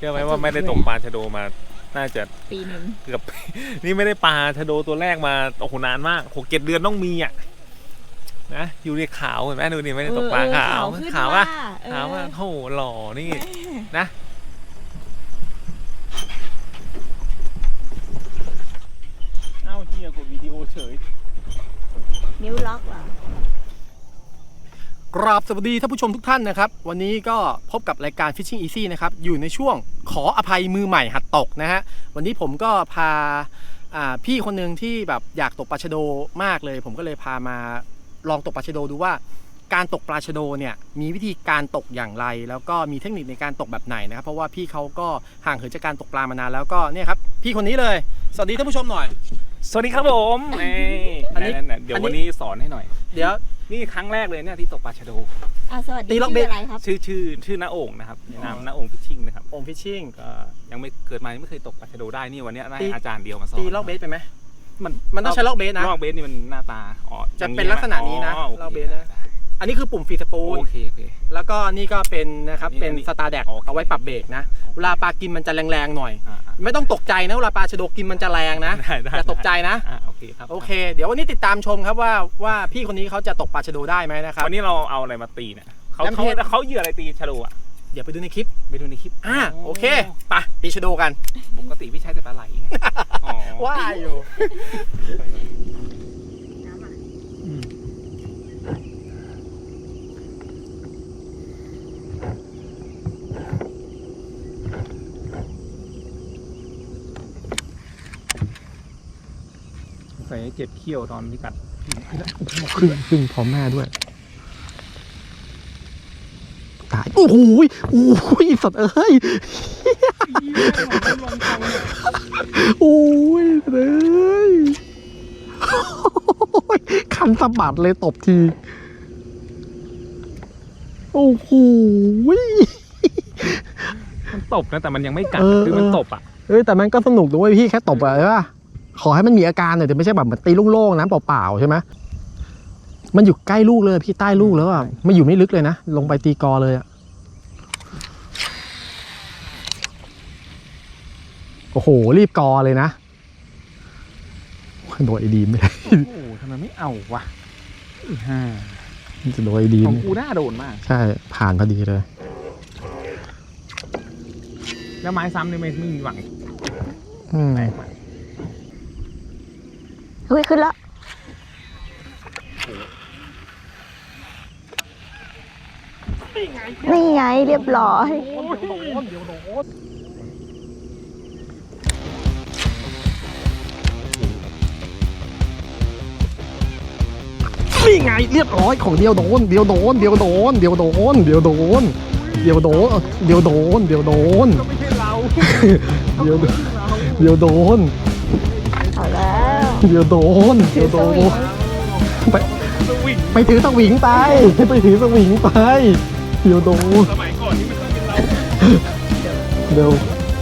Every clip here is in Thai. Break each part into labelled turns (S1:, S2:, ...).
S1: ชื่อไหมว่าไม่ได้ตกปลาชะโดมาน่าจะ
S2: ปีหนึ่ง
S1: เกือบ นี่ไม่ได้ปลาชะโดตัวแรกมาโอ้โหนานมาก6-7 เดือนต้องมีอ่ะนะอยู่ในขาวเห็นไหมดูนี่ไม่ได้ตกปลาขาวขาวอ่ะขาวอ่ะโหหล่อนี่นะเอ้าเฮียกดวิดีโอเฉย
S2: นิ้วล็อกเหร
S3: อกราบสวัสดีท่านผู้ชมทุกท่านนะครับวันนี้ก็พบกับรายการ Fishing Easy นะครับอยู่ในช่วงขออภัยมือใหม่หัดตกนะฮะวันนี้ผมก็พาพี่คนหนึ่งที่แบบอยากตกปลาชะโดมากเลยผมก็เลยพามาลองตกปลาชะโดดูว่าการตกปลาชะโดเนี่ยมีวิธีการตกอย่างไรแล้วก็มีเทคนิคในการตกแบบไหนนะครับเพราะว่าพี่เขาก็ห่างเหินจากการตกปลามานานแล้วก็เนี่ยครับพี่คนนี้เลยสวัสดีท่านผู้ชมหน่อย
S1: สวัสดีครับผมอันนี้เดี๋ยววันนี้สอนให้หน่อย
S3: เดี๋ยว
S1: นี่ครั้งแรกเลยเนี่ยที่ตกปลาชะโด
S2: สวัสดีชื่ออะไรครับ
S1: ชื่อน้าโอ่งนะครับนามน้าโอ่งฟิชชิ่งนะครับ
S3: โอ่งฟิชชิ่ง
S1: ก็ยังไม่เกิดมาไม่เคยตกปลาชะโดได้นี่วันนี้ได้อาจารย์เดียวมาสอน
S3: ตีลอกเบสไปไหมมันต้องใช้ลอกเบสนะ
S1: ลอกเบสนี่มันหน้าตา
S3: จะเป็นลักษณะนี้นะลอกเบสนะอันนี้คือปุ่มฟรีสปูล
S1: โอเค
S3: แล้วก็นี่ก็เป็นนะครับเป็นสตาร์แดกเอาไว้ปรับเบรกนะเวลาปลากินมันจะแรงๆหน่อยไม่ต้องตกใจนะเวลาปลาชะโดกินมันจะแรงนะอย่าตกใจนะ
S1: โอเคครับ
S3: โอเคเดี๋ยววันนี้ติดตามชมครับว่าพี่คนนี้เขาจะตกปลาชะโดได้ไหมนะครับ
S1: วันนี้เราเอาอะไรมาตีเนี่ยเขาเหยื่ออะไรตีชะโดอ่ะ
S3: เดี๋ยวไปดูในคลิปโอเคไปตีชะโดกัน
S1: ปกติพี่ใช้แต่ปลาไหล
S3: ว่าอยู่
S1: ใส่เจ็บเขี้ยวตอนที่กัด
S3: ขึ้นพร้อมแม่ด้วยตายโอ้โหสัตว์เอ้ยโอ้ยเลยคันสะบัดเลยตบทีโอ้โห
S1: มันตบนะแต่มันยังไม่กัดคือมันตบอ่ะ
S3: แต่มันก็สนุกด้วยพี่แค่ตบอะใช่ป่ะขอให้มันมีอาการหน่อยแต่ไม่ใช่แบบมันตีโล่งๆน้ำเปล่าๆใช่ไหมมันอยู่ใกล้ลูกเลยพี่ใต้ลูกแล้วอ่ะไม่อยู่ไม่ลึกเลยนะลงไปตีกอเลยอ่ะโอ้โหรีบกอเลยนะโดยไอดีไม่ได้
S1: โอ้โหทำไมไม่เอาวะ
S3: จะโดยไอดี
S1: ของกูน่าโดนมาก
S3: ใช่ผ่านพอดีเลย
S1: แล้วไม้ซ้ำนี่ไม่มีหวัง
S2: เฮ้ยขึ้นแล้วนี่ไงเรียบร้อย
S3: นี่ไงเรียบร้อยของเดียวโดนก็ไม่ใช่เรา
S1: เดี๋ยวโดน
S3: เอาแล้วไปถือสวิงไปเดี๋ยวโดน
S1: สมัยก่อนนี่ไม่ต้องเป็นเรา
S3: เดี๋ยว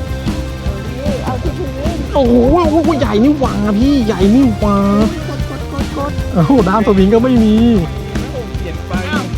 S3: โอ้โหใหญ่นี่หว่าพี่ใหญ่นี่หว่าด้ามสวิงก็ไม่มี
S1: เปลี่ยนไป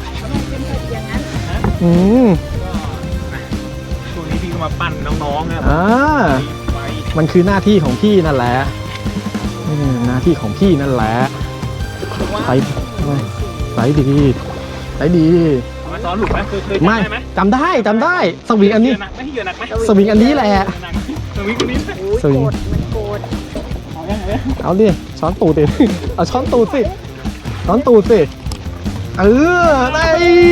S1: ช่วงนี้พี่ก็มาปั่นน้องๆนะ
S3: มันคือหน้าที่ของพี่นั่นแหละหน้าที่ของพี่นั่นแหละใส่ดี
S1: มาซ้อนหลุดไหมเคย
S3: ไม่จำได้สวิงอันนี้สวิงอันนี้แหละ
S1: สวิงอันนี้
S2: มันโกรธ
S3: เอาดิช้อนตูดดิเอาช้อนตูดสิได้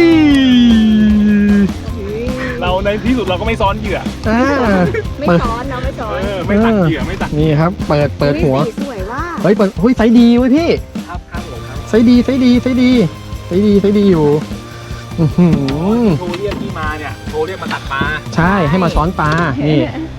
S1: เราในที่สุดเราก็ไม่ซ้อนเหยื่อ
S2: ไม่ซ้อน
S1: ไม่ตัดเหยื่อไม่ตัด
S3: นี่ครับเปิดหัว
S2: สวยว่า
S3: เฮ้ยไซส์ดีเว้ยพี่ไซส์ดีอยู่
S1: โทรเรียกที่มาเนี่ยโทรเรียกมาตัดปลา
S3: ใช่ให้มาช้อนปลานี่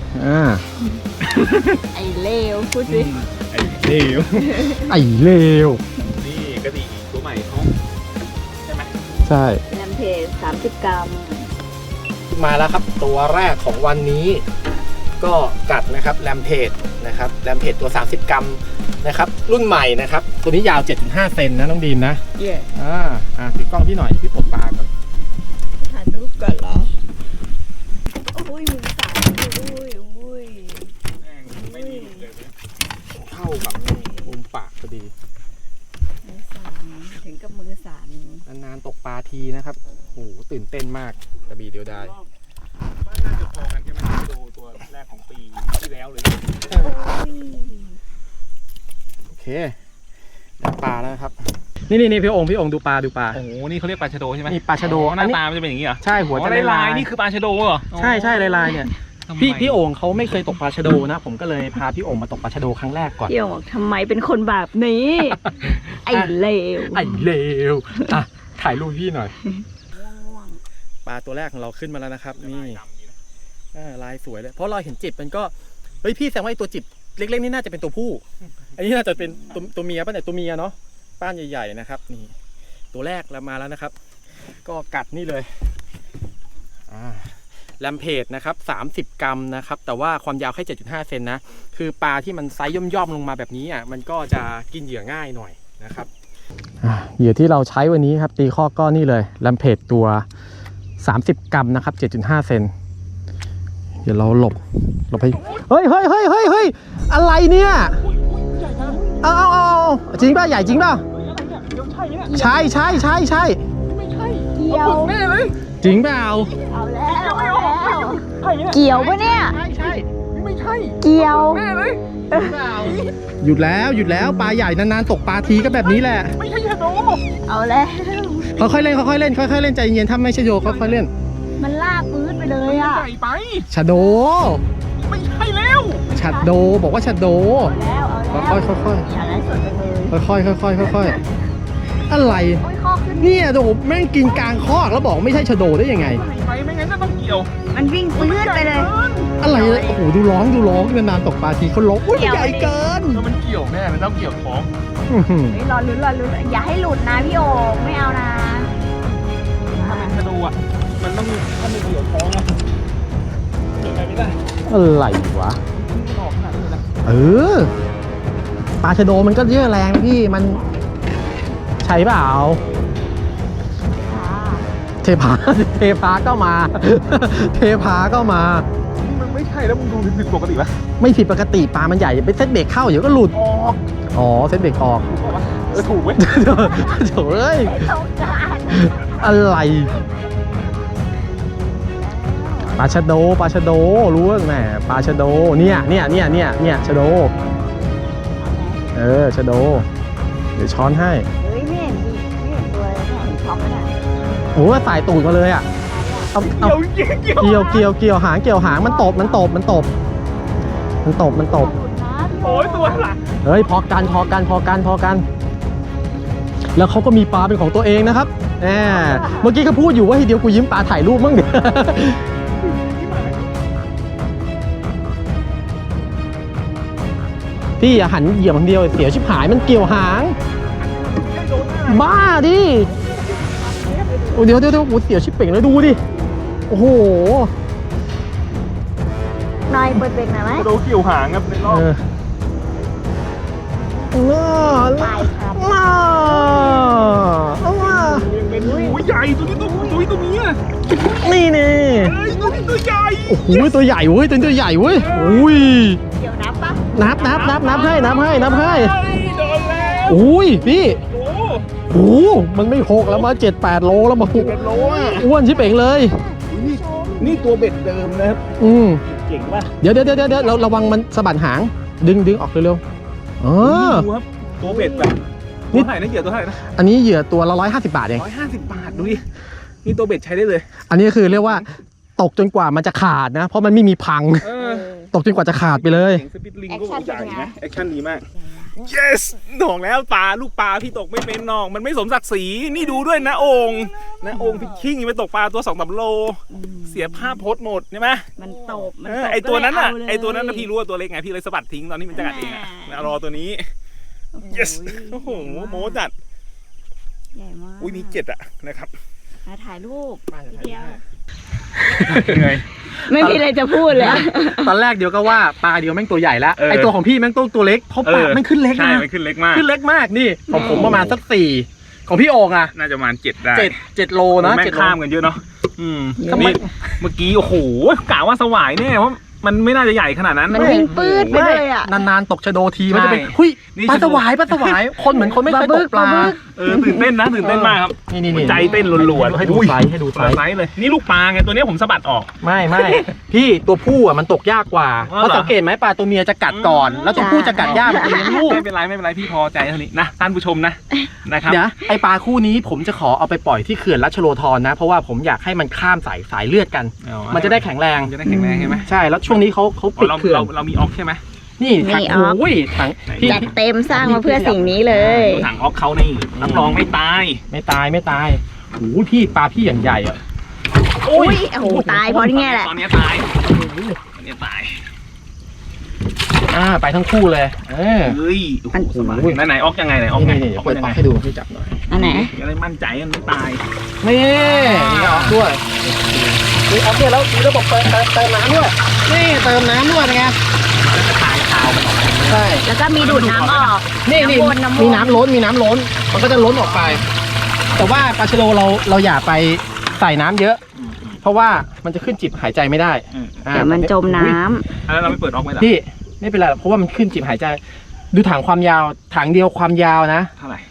S2: ไอ้เลวพูดสิ
S3: ไอ้เลว
S1: นี่กระดิ่งตัวใหม่เขาใช่ไหม
S3: ใช่
S2: แลมเพจ30 กรัม
S3: มาแล้วครับตัวแรกของวันนี้ก็กัดนะครับแลมเพจนะครับแลมเพจตัว30 กรัมนะครับรุ่นใหม่นะครับตัวนี้ยาว 7.5 เซนนะน้องดีมนะถือกล้องพี่หน่อยพี่ปลดปลาก่อน
S2: ถ่ายรูปก่อนเหรอโอ้ยมือสั่น
S3: ทีนะครับโอ้โหตื่นเต้นมากกระบี่เดียวดาย
S1: ว่าน่าจะพอกันใช่ไหมตัวแรกของปีที่แล้วเลย
S3: โอเคได้ปลาแล้วครับนี่พี่องค์ดูปลา
S1: โอ้โหนี่เขาเรียกปลาชะโดใช่ไหม
S3: นี่ปลาชะโด
S1: หน้าตามันจะเป็นอย่างนี้เหรอ
S3: ใช่หัวจะ
S1: ลายนี่คือปลาชะโดเหรอ
S3: ใช่ลายเนี่ยพี่โอ่งเขาไม่เคยตกปลาชะโดนะผมก็เลยพาพี่โอ่งมาตกปลาชะโดครั้งแรกก่อน
S2: พี่โอ่งบอกทำไมเป็นคนแบบนี้ ไอ้เลว
S3: ไอ้เลวอ่ะถ่ายรูปพี่หน่อยปลาตัวแรกของเราขึ้นมาแล้วนะครับนี่ลายสวยเลยเพราะเราเห็นจิบมันก็เฮ้ยพี่แสดงว่าไอ้ตัวจิบเล็กๆนี่น่าจะเป็นตัวผู้อันนี้น่าจะเป็นตัวเมียป่ะเนี่ยตัวเมียเนาะป้านใหญ่ๆนะครับนี่ตัวแรกแล้วมาแล้วนะครับก็กัดนี่เลยแลมเพจนะครับ30 กรัมนะครับแต่ว่าความยาวแค่ 7.5 เซนนะคือปลาที่มันไซส์ย่อมๆลงมาแบบนี้อ่ะมันก็จะกินเหยื่อง่ายหน่อยนะครับเหยื่อที่เราใช้วันนี้ครับตีข้อก็นี่เลยแลมเพจตัว30 กรัมนะครับ 7.5 เซนเดี๋ยวเราหลบไปเฮ้ยอะไรเนี่ยเอาจริงป่ะใหญ่จริงป่ะใช่
S2: เกี่ยว
S3: จริงเปล่า
S2: เอาแล้วเกี่ยวปะเนี่ย
S3: ใช่ไม่ใช่
S2: เกี่ยว
S3: หยุดแล้วปลาใหญ่นานๆตกปลาทีก็แบบนี้แหละไม่ใช่ชะโด
S2: เอาแล้ว
S3: ค่อยๆเล่นใจเย็นถ้าไม่ใช่โยค่อยๆเล่น
S2: มันลากปื้ดไปเลยอ่ะ
S1: ใหญ่ไป
S3: ชะโด
S1: ไม่ใช่แล้ว
S3: ชะโดบอกว่าชะโด
S2: เอาแล้ว
S3: ค่อย
S2: อย่าได้สดไปเลย
S3: ค่อยอะไร
S2: โอ้ยข้อขึ้น
S3: เนี่ยโดแม่งกินกลางคอกแล้วบอกไม่ใช่ชะโดได้ยังไง
S1: ไปไม่งั้นก็ต้องเกี่ยว
S2: มันวิ่งปื้ดไปเลย
S3: อะไรโอ้โหดูร้องนานๆตกปลาทีเขาร้องอุ้ยใหญ่เกิน
S1: แล้วมันเกี่ยวแน่มันต้องเกี่ยวท้อง
S2: เฮ้ยรอลุ้นอย่าให้หลุดนะพี่โอ่งไม่เอานะ
S1: ถ้าเป็นชะโดอ่ะมันต้องถ้าไม่เกี่ยวท้องอ่ะเกี่ยวไปไม่ได้
S3: อะไรวะปลาชะโดมันก็เยอะแรงพี่มันใช่เปล่าเทพาก็มา
S1: มันไม่ใช่แล้วมึงดูผิดปกติปะ
S3: ไม่ผิดปกติปลามันใหญ่ไปเซตเบรกเข้าเดี๋ยวก็หลุดอ๋อเซตเบรกออก
S1: ถูกเว้ย
S3: โถ่เอ้ยอะไรปลาชะโดรู้ว่าแหมปลาชะโดเนี่ยชะโดชะโดเดี๋ยวช้อนให้
S2: เฮ้ยไม่เห็นตัวเลยไม่เห็นช็อกเลย
S3: โอ้สายตูดมาเลยอ่ะเกี่ยวหางมันตบ
S1: โอ้ยตัวหลัง
S3: เฮ้ยพอกันแล้วเขาก็มีปลาเป็นของตัวเองนะครับเมื่อกี้เขาพูดอยู่ว่าให้เดียวกูยิ้มปลาถ่ายรูปมั่งเดี๋ยวพี่อย่าหันเหยียบคนเดียวเสียชิบหายมันเกี่ยวหางบ้าดิเดี๋ยวเสียชิบเป่งเลยดูดิโอ้โห
S2: นายเปิดเบรกหน่อยไหม
S1: โดเกี่ยวหางครับในรอบ
S2: ไปครับ
S1: ใหญ่ตัวนี้ตัวนี้
S3: นี่
S1: ตัวใหญ่
S3: โอ้โหตัวใหญ่เว้ยตัวใหญ่เว้ยอุ้ย
S2: เดี๋ยวนับปะ
S3: นับให้
S1: โดนแล้ว
S3: อุ้ยพี่โอ้มันไม่6แล้วมา7-8 โลแล้วมา
S1: 7 โล
S3: อ้วนชิบเป่งเลย
S1: นี่ตัวเบ็ดเดิมนะครับเก่งป่ะ
S3: เดี๋ยวเราระวังมันสะบัดหางดึงออกเร็วๆ
S1: ดูครับตัวเบ็ดแบบนี่เท่าไหร่นะเหยื่อตัวเท่าไหร่นะ
S3: อันนี้เหยื่อตัวละ150 บาทเอง
S1: 150 บาทดูดินี่ตัวเบ็ดใช้ได้เลย
S3: อันนี้คือเรียกว่าตกจนกว่ามันจะขาดนะเพราะมันไม่มีพังตกจนกว่าจะขาดไปเลย
S1: สปิดลิงก็ใหญ่นะแอคชั่นดีมาก yes หน่องแล้วลูกปลาพี่ตกไม่เป็นน้องมันไม่สมศักดิ์ศรีนี่ดูด้วยนะองค์พิชชิ่งไปตกปลาตัว2-3 โลเสียภาพโพสหมดใช่ไหม
S2: มันตบ
S1: ไอตัวนั้นน่ะพี่รู้ว่าตัวเล็กไงพี่เลยสะบัดทิ้งตอนนี้มันจะกัดเองอ่ะรอตัวนี้ yes โอ้โหโมจัด
S2: ใหญ่มาก
S1: อุ้ยนี่7อ่ะนะครับ
S2: ถ่ายรูปเดียว
S3: ไม่
S2: มีอะไรจะพูดเลย
S3: ตอนแรกเดี๋ยวก็ว่าปลาเดียวแม่งตัวใหญ่แล้วไอตัวของพี่แม่งตัวเล็กเพราะปลาแม่งขึ้นเล็กนะ
S1: ใช่มันขึ้นเล็กมาก
S3: นี่ของผมประมาณสัก4ของพี่โอ่งอ่ะ
S1: น่าจะประมาณ7ได้
S3: 7 โลนะ
S1: แม่งข้ามกันเยอะเนาะนี่เมื่อกี้โอ้โหกะว่าสวายเนี่ยเพราะมันไม่น่าจะใหญ่ขนาดนั้น
S2: มันวิ่งปื้ดไปเลยอ่ะ
S3: นานๆตกชะโดทีมันจะเป็นหุยปลาสวายคนเหมือนคนไม่เคยตกปลา
S1: ตื่นเต้นนะตื่นเต้นมากครับ
S3: นี่
S1: หัวใจเต้นรัวๆ
S3: ให้ดูไซส์ให้ดูไซส์
S1: ไซส์เลยนี่ลูกปลาไงตัวนี้ผมสะบัดออก
S3: ไม่ พี่ตัวผู้อ่ะมันตกยากกว่า
S1: อ๋อเหรอ
S3: เพราะสังเกตไหมปลาตัวเมียจะกัดก่อน แล้วตัวผู้จะกัดยากมันจะเลี้ยงลูก
S1: ไม่เป็นไรพี่พอใจเท่านี้นะท่านผู้ชมนะครับ
S3: เดี๋ยวไอปลาคู่นี้ผมจะขอเอาไปปล่อยที่เขื่อนรัชโลธรนะ เพราะว่าผมอยากให้มันข้ามสายเลือดกัน มันจะได้แข็งแรง
S1: จะได้แข็งแรงใช่ไหม
S3: ใช่แล้วช่วงนี้เขาปิดเขื่อน
S1: เรามีออกใช่ไหม
S3: นี่ถังโอ้ยถังพี่
S2: จัดเต็มสร้างมาเพื่อสิ่งนี้เลย
S1: ดูถังออกเขานี่รับรองไม่ตาย
S3: ไม่ตายโอ้ยพี่ปลาพี่อย่างใหญ่อ่ะ
S2: อุ้ยโอ้โหตายเพราะนี่ไงแหละ
S1: ตอนนี้ตาย
S3: ไปทั้งคู่เลย
S1: เฮ้ยโอ้โหไหนออกยังไงไหนออกไง
S3: นี่เปิดปากให้ดูพี่จับหน่อย
S2: อันไหน
S1: จะได้มั่นใจมันไม่ตาย
S3: นี่ออกด้วยนี่ออกเนี่ยแล้วมีระบบเติมน้ำด้วยนี่เติมน้ำด้วยเป็นไง
S1: ตายขาวมันออก
S3: ใช่
S2: แล้วก็มีดูดน้ำออก
S3: นี่
S2: น้ำวน
S3: มีน้ำล้นมันก็จะล้นออกไป แต่ว่าปลาชะโดเราอย่าไปใส่น้ำเยอะ เพราะว่ามันจะขึ้นจิบหายใจไม่ได้
S2: เดี๋ยวมันจมน้
S1: แล้วเราไม่เปิดออกไหมล่ะ
S3: พี่ไม่เป็นไรหรอกเพราะว่ามันขึ้นจิบหายใจ ดูถังความยาวถังเดียวความยาวนะ
S1: เท่าไหร่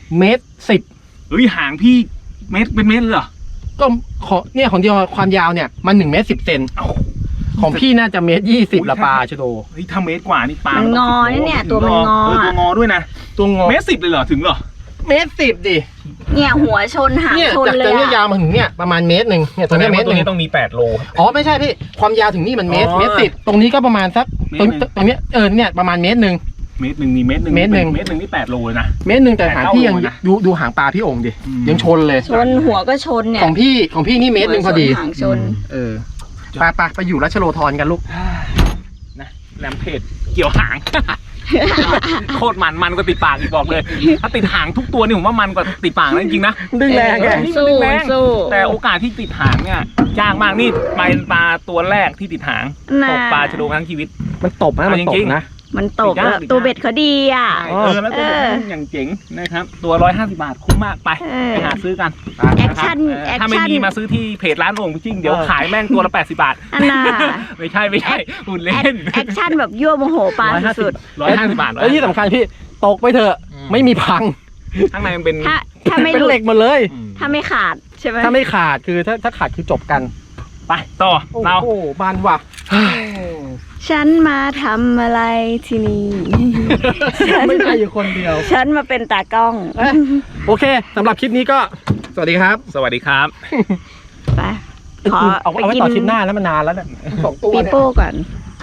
S3: 1.10
S1: เฮ้ยห่างพี่เมตรเป็นเมตรเลยเหรอ
S3: ก็ของเดียวความยาวเนี่ยมัน1.10 เซน
S1: เอ้า
S3: ของพี่น่าจะ1.20 ละปลาชะโด
S1: เฮ้ยถ้าเมตรกว่านี่ปลา
S2: ำมันงอเนี่ยตัวมันงอ
S1: ตัวงอด้วยนะ
S3: ตัวงอ
S1: เมตร 10เลยเหรอถึงเหรอ
S3: 1.10 ดิ
S2: เนี่ยหัวชนหาง
S3: เนี่ย
S2: ชน
S3: จาก
S2: เล
S3: ตร
S2: ย
S3: งนี้ยา
S2: อะ
S3: วมาถึงเนี่ยประมาณ1 เมตรเนี่ยตรงนี้เมตร
S1: ตัวนี้ต้องมี8โล
S3: อ๋อไม่ใช่พี่ความยาวถึงนี่มันเมตร
S1: อ๋อ
S3: 1.10 ตรงนี้ก็ประมาณสัก
S1: เมตรหนึ่ง
S3: ตรงเนี้ยเนี่ยประมาณ1 เมตร
S1: เมตรหนึ่งนี่เมตรหนึ่ง
S3: เมตรหนึ่ง
S1: นี่8โลเลยนะ
S3: แต่หางพี่ยัง
S1: เท่าเลยนะ
S3: ดูหางปลาพี่โอ่งดิ
S1: อืม
S3: ยังชนเลย
S2: ชนหัวก็ชนเนี่ย
S3: ของพี่นี่1 เมตรพอดี
S2: หัวชนหางชน
S3: ไปอยู่รัชโลธรกันลูก
S1: นะแรมเพจเกี่ยวหาง โคตรมันก็ติดปากอีกบอกเลย ถ้าติดหางทุกตัวนี่ผมว่ามันกว่าติดปากนะจริงๆนะ
S3: ดึงแรงไง
S2: สู้
S1: แรง
S2: สู้
S1: แต่โอกาสที่ติดหางเนี่ยยากมากนี่เป็นปลาตัวแรกที่ติดหาง
S2: น่ะ
S1: ตกปลาชะโดทั้งชีวิต
S3: มันตบนะมันต
S1: จริ
S3: บ
S1: งๆ
S3: นะ
S2: มันตก
S1: ติดยาก
S2: แล้วตัวเบ็ดเขาดีอ่ะ
S1: แล้วตัวนี้อย่างเจ๋งนะครับตัว150 บาทคุ้มมากไป
S2: เออ
S1: ไปหาซื้อกัน
S2: แอคชั่น
S1: นะครับถ้าไม่มีมาซื้อที่เพจร้านโอ่งจริงเดี๋ยวขายแม่งตัวละ80 บาท
S2: อันน่ะ
S1: ไม่ใช่หุ่นเล่น
S2: แอคชั่นแบบยั่วโมโหปลาสุด
S1: 150 บาท
S3: แล้วที่สำคัญพี่ตกไปเถอะไม่มีพัง
S1: ข้างในมันเป็น
S2: ๆถ้าไม่
S3: เป็น
S2: หลุ
S3: เหล็
S2: ด
S3: กหมดเลย
S2: ถ้าไม่ขาดใช่ไหม
S3: ถ้าไม่ขาดคือถ้าขาดคือจบกัน
S1: ไปต่อเรา
S3: โอ้โหบานว่ะ
S2: ฉันมาทำอะไรที่นี่
S3: ไม่ได้อยู่คนเดียว
S2: ฉันมาเป็นตากล้อง
S3: โอเคสำหรับคลิปนี้ก็สวัสดีครับ
S1: สวัสดีครับ
S2: ไปขอ
S3: เอา
S2: ไป
S3: ไว้
S2: กิน
S3: ต่อคลิปหน้าแล้วมันนานแล้วเนี่ย2 ตัว
S2: ปี
S3: เนี่ย
S2: โป้ก่อน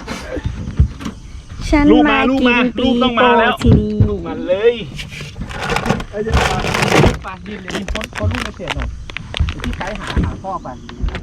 S2: ฉัน
S1: ลูก
S2: มา
S1: มาลูก
S2: กิ
S1: มาน ลู
S2: ปี
S1: กต้องมา
S2: โป้
S1: แล้ว
S2: ที่นี่
S1: มาเลย
S3: ไปดินพ้นลูกในเศษหน่อยที่ไกด์หาพ่อไป